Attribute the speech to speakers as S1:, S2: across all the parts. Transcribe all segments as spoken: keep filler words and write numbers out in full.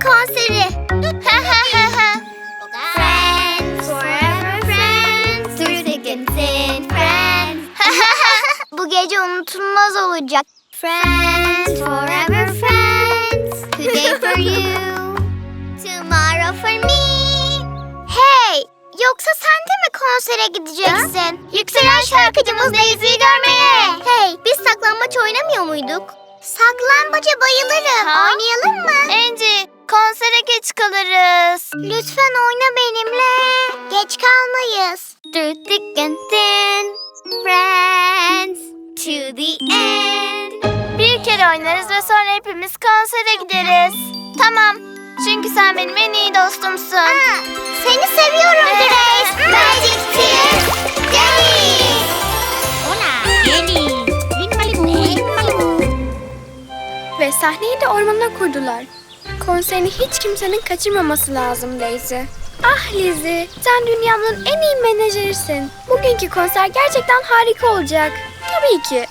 S1: konseri. Friends, forever friends, through thick and thin friends. Bu gece unutulmaz olacak. Friends, forever friends, today for you, tomorrow for me. Hey, yoksa sen de mi konsere gideceksin? Ha? Yükselen şarkıcımız Daisy'yi görmeye. Hey, biz saklambaç oynamıyor muyduk? Saklambaca bayılırım. Ha? Oynayalım mı?
S2: Angie, konsere geç kalırız.
S1: Lütfen oyna benimle. Geç kalmayız. Through thick and thin friends, to the end.
S2: Bir kere oynarız ve sonra hepimiz konsere gideriz. Tamam, çünkü sen benim en iyi dostumsun.
S1: Aa, seni seviyorum Grace. Magic Tears, Jenny.
S3: Hola, Jenny. Lin Malibu, Lin Malibu.
S4: Ve sahneyi de ormana kurdular. Konserini hiç kimsenin kaçırmaması lazım Daisy. Ah Lizzie, sen dünyamın en iyi menajerisin. Bugünkü konser gerçekten harika olacak. Tabii ki.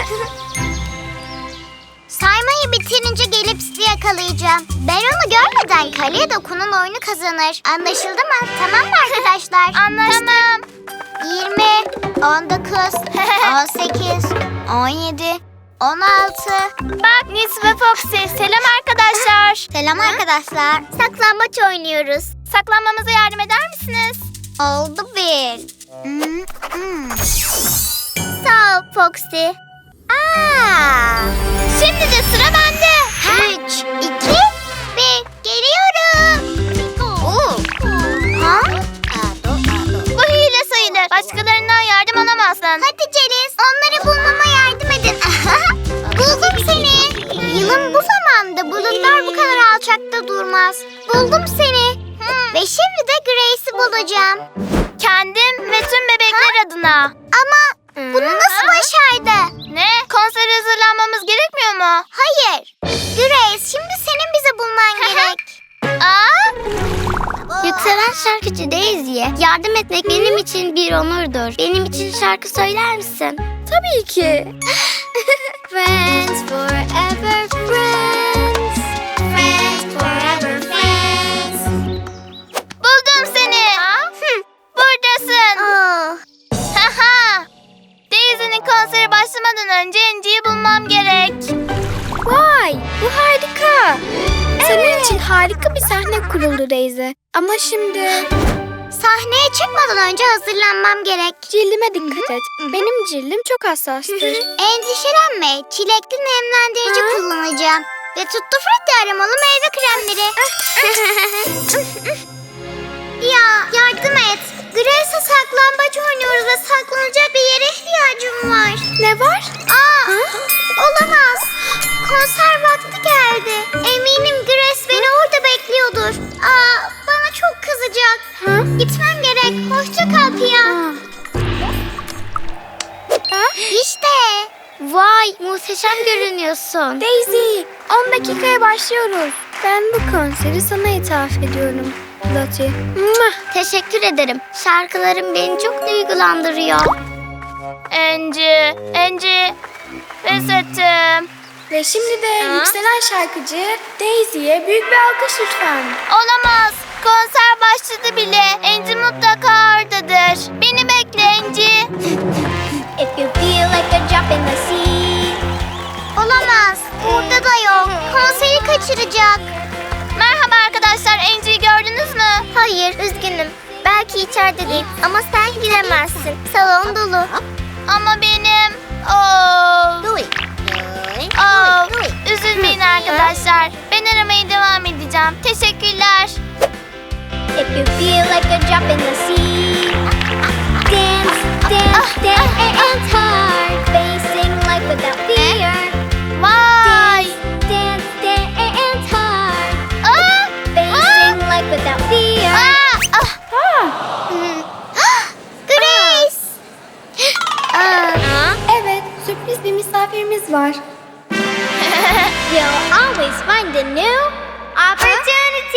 S1: Saymayı bitirince gelip sizi yakalayacağım. Ben onu görmeden kaleye dokunan oyunu kazanır. Anlaşıldı mı? Tamam mı arkadaşlar?
S2: Anlaştık.
S1: Tamam. yirmi, on dokuz, on sekiz, on yedi, on altı.
S2: Bak Nils ve Foxy, selam arkadaşlar.
S1: Selam arkadaşlar. Saklambaç oynuyoruz.
S2: Saklanmamıza yardım eder misiniz?
S1: Oldu bir. Hmm, hmm. Sağ ol Foxy. Aa.
S2: Şimdi de sıra bende.
S1: Üç, iki, bir. Geliyorum. Oo. Ha?
S2: Bu hile sayılır. Başkalarından yardım alamazsın.
S1: Hadi Celis, onları bulmama yardım edin. Buldum seni. Yılın bu zamanında bulutlar bu kadar alçakta durmaz. Buldum seni. Hmm. Ve şimdi de Grace'i bulacağım.
S2: Kendim ve tüm bebekler adına.
S1: Ama bunu nasıl başardı?
S2: Ne? Konsere hazırlanmamız gerekmiyor mu?
S1: Hayır. Grace, şimdi senin bize bulman gerek.
S2: Aa?
S1: Yükselen şarkıcı Daisy'ye yardım etmek benim için bir onurdur. Benim için şarkı söyler misin?
S4: Tabii ki.
S1: Friends forever friends. Friends forever friends.
S2: Buldum seni. Hı, buradasın.
S1: Oh.
S2: Haha. Daisy'nin konseri başlamadan önce Angie'yi bulmam gerek.
S4: Vay, bu harika. Senin için harika bir sahne kuruldu Daisy. Ama şimdi
S1: Sahneye çıkmadan önce hazırlanmam gerek.
S4: cildime dikkat et. Benim cildim çok hassastır.
S1: Endişelenme. Çilekli nemlendirici
S4: Hı?
S1: kullanacağım. Ve Tuttu Frutti aromalı meyve kremleri. Ya yardım et. Grace'e saklambaç oynuyoruz ve saklanacak bir yere ihtiyacım var.
S4: Ne var?
S1: Aa, olamaz. Konser vakti geldi. Eminim Grace beni orada bekliyordur. Aa, bana çok kızacak.
S4: Ha?
S1: Gitmem gerek. Hoşça kal Pia.
S4: Ha?
S1: İşte. Vay, muhteşem görünüyorsun.
S4: Daisy, on dakikaya başlıyoruz. Ben bu konseri sana ithaf ediyorum. Lottie. Mwah!
S1: Teşekkür ederim. Şarkıların beni çok duygulandırıyor.
S2: Angie, Angie. Pes ettim.
S4: Ve şimdi de yükselen şarkıcı Daisy'ye büyük bir alkış lütfen.
S2: Olamaz. Konser başladı bile. Angie mutlaka oradadır. Beni bekle Angie.
S1: If you feel like a drop in the sea. Olamaz. Burada da yok. Konseri kaçıracak.
S2: Merhaba arkadaşlar. Angie'yi gördünüz mü?
S1: Hayır, üzgünüm. Belki içeride değil ama sen giremezsin. Salon dolu.
S2: Ama benim... Oh. Oh. Üzülmeyin arkadaşlar. Ben aramaya devam edeceğim. Teşekkürler.
S1: If you feel like a drop in the sea. Dance, dance, dance hard. Facing life without fear.
S2: Vay.
S1: Dance, dance hard.
S2: Aa.
S1: Facing life without fear.
S2: Aa. Ah.
S1: Hmm. Grace! Aa,
S4: Evet, sürpriz bir misafirimiz var.
S1: you'll always find a new opportunity.